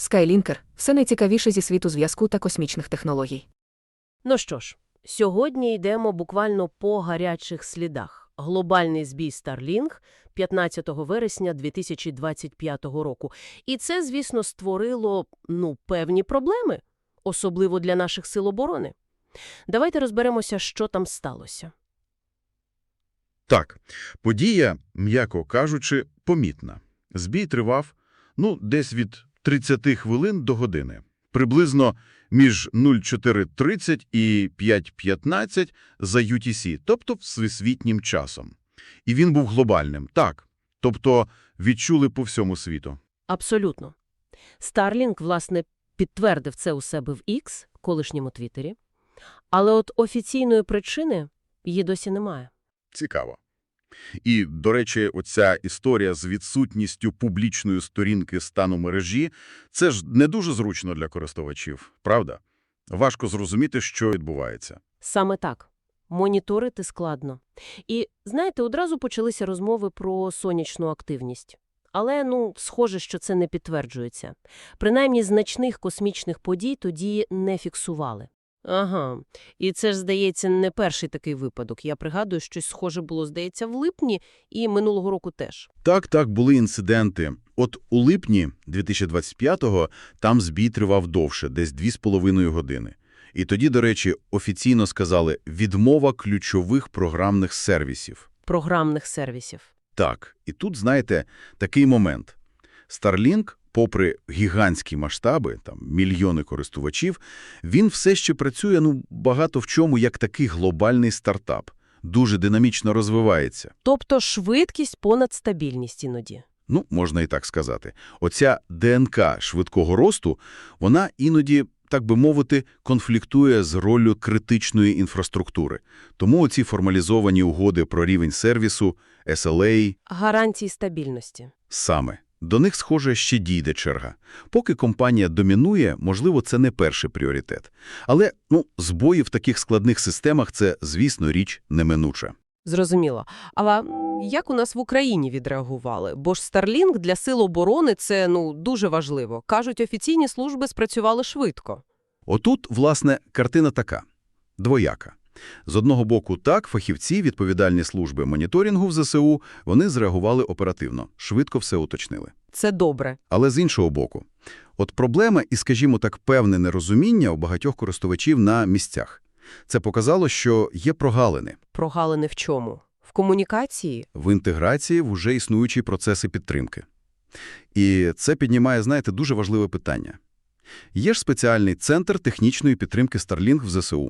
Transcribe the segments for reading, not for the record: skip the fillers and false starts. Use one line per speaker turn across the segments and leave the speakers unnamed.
Skylінкер – все найцікавіше зі світу зв'язку та космічних технологій.
Ну що ж, сьогодні йдемо буквально по гарячих слідах. Глобальний збій Starlink 15 вересня 2025 року. І це, звісно, створило, певні проблеми, особливо для наших сил оборони. Давайте розберемося, що там сталося.
Так, подія, м'яко кажучи, помітна. Збій тривав, десь від 30 хвилин до години. Приблизно між 04:30 і 5:15 за UTC, тобто всесвітнім часом. І він був глобальним, так. Тобто відчули по всьому світу.
Абсолютно. Starlink, власне, підтвердив це у себе в X, колишньому Твіттері. Але от офіційної причини її досі немає.
Цікаво. І, до речі, оця історія з відсутністю публічної сторінки стану мережі – це ж не дуже зручно для користувачів, правда? Важко зрозуміти, що відбувається.
Саме так. Моніторити складно. І, знаєте, одразу почалися розмови про сонячну активність. Але, схоже, що це не підтверджується. Принаймні, значних космічних подій тоді не фіксували. Ага. І це ж, здається, не перший такий випадок. Я пригадую, щось схоже було, здається, в липні і минулого року теж.
Так, були інциденти. От у липні 2025-го там збій тривав довше, десь 2,5 години. І тоді, до речі, офіційно сказали «відмова ключових програмних сервісів».
Програмних сервісів.
Так, і тут, знаєте, такий момент. Starlink, попри гігантські масштаби, там мільйони користувачів, він все ще працює, багато в чому як такий глобальний стартап. Дуже динамічно розвивається.
Тобто швидкість понад стабільність іноді.
Можна і так сказати. Оця ДНК швидкого росту, вона іноді, так би мовити, конфліктує з роллю критичної інфраструктури. Тому оці формалізовані угоди про рівень сервісу, SLA…
Гарантії стабільності.
Саме. До них, схоже, ще дійде черга. Поки компанія домінує, можливо, це не перший пріоритет. Але, збої в таких складних системах – це, звісно, річ неминуча.
Зрозуміло. Але як у нас в Україні відреагували? Бо ж Starlink для сил оборони – це, дуже важливо. Кажуть, офіційні служби спрацювали швидко.
Отут, власне, картина така. Двояка. З одного боку, так, фахівці, відповідальні служби моніторингу в ЗСУ, вони зреагували оперативно, швидко все уточнили.
Це добре.
Але з іншого боку, от проблема і, скажімо так, певне нерозуміння у багатьох користувачів на місцях. Це показало, що є прогалини.
Прогалини в чому? В комунікації?
В інтеграції в уже існуючі процеси підтримки. І це піднімає, знаєте, дуже важливе питання. Є ж спеціальний центр технічної підтримки Starlink в ЗСУ.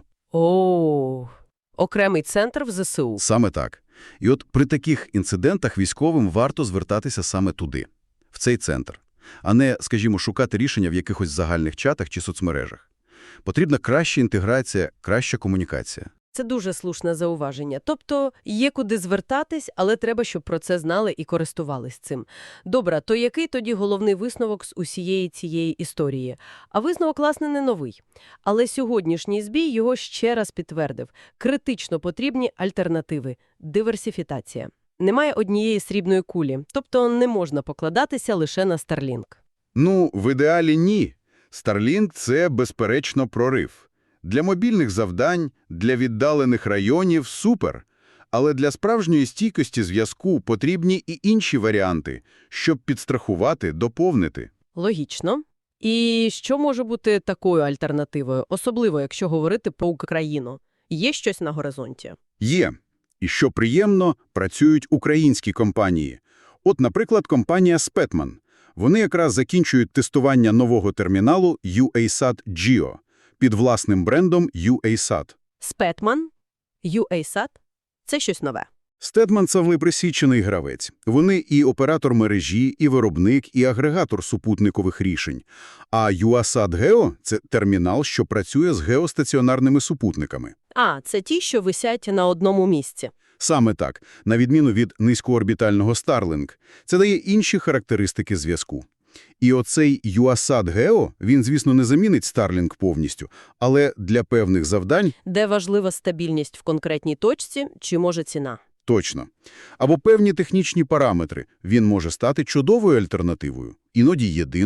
Окремий центр в ЗСУ.
Саме так. І от при таких інцидентах військовим варто звертатися саме туди, в цей центр, а не, скажімо, шукати рішення в якихось загальних чатах чи соцмережах. Потрібна краща інтеграція, краща комунікація.
Це дуже слушне зауваження. Тобто є куди звертатись, але треба, щоб про це знали і користувались цим. Добре, то який тоді головний висновок з усієї цієї історії? А висновок, власне, не новий. Але сьогоднішній збій його ще раз підтвердив. Критично потрібні альтернативи. Диверсифікація. Немає однієї срібної кулі. Тобто не можна покладатися лише на Starlink.
В ідеалі ні. Starlink – це, безперечно, прорив. Для мобільних завдань, для віддалених районів – супер. Але для справжньої стійкості зв'язку потрібні і інші варіанти, щоб підстрахувати, доповнити.
Логічно. І що може бути такою альтернативою, особливо якщо говорити про Україну? Є щось на горизонті?
Є. І що приємно, працюють українські компанії. От, наприклад, компанія Spetman. Вони якраз закінчують тестування нового терміналу UASat Geo під власним брендом UASat.
Spetman? UASat? Це щось нове.
Spetman – це присічений гравець. Вони і оператор мережі, і виробник, і агрегатор супутникових рішень. А UASat Geo – це термінал, що працює з геостаціонарними супутниками.
Це ті, що висять на одному місці.
Саме так, на відміну від низькоорбітального Starlink. Це дає інші характеристики зв'язку. І оцей UASat Geo, він, звісно, не замінить Starlink повністю, але для певних завдань…
Де важлива стабільність в конкретній точці, чи може ціна?
Точно. Або певні технічні параметри. Він може стати чудовою альтернативою, іноді єдиною.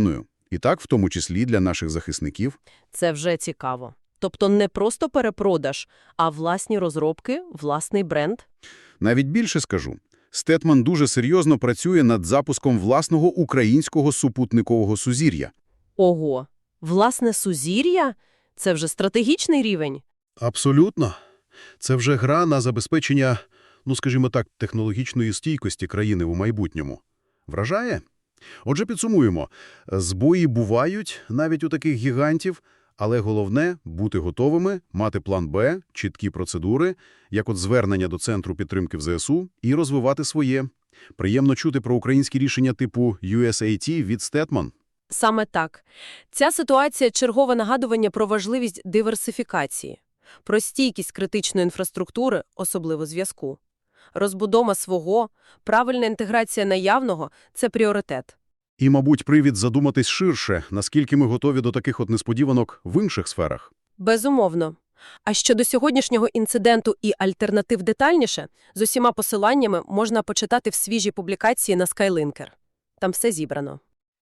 І так, в тому числі для наших захисників.
Це вже цікаво. Тобто не просто перепродаж, а власні розробки, власний бренд?
Навіть більше скажу. Стетман дуже серйозно працює над запуском власного українського супутникового сузір'я.
Ого, власне сузір'я? Це вже стратегічний рівень?
Абсолютно. Це вже гра на забезпечення, скажімо так, технологічної стійкості країни у майбутньому. Вражає? Отже, підсумуємо. Збої бувають навіть у таких гігантів, але головне – бути готовими, мати план Б, чіткі процедури, як от звернення до Центру підтримки в ЗСУ, і розвивати своє. Приємно чути про українські рішення типу USAT від Стетман.
Саме так. Ця ситуація – чергове нагадування про важливість диверсифікації, про стійкість критичної інфраструктури, особливо зв'язку. Розбудова свого, правильна інтеграція наявного – це пріоритет.
І, мабуть, привід задуматись ширше, наскільки ми готові до таких от несподіванок в інших сферах.
Безумовно. А щодо сьогоднішнього інциденту і альтернатив детальніше, з усіма посиланнями можна почитати в свіжій публікації на Skylinker. Там все зібрано.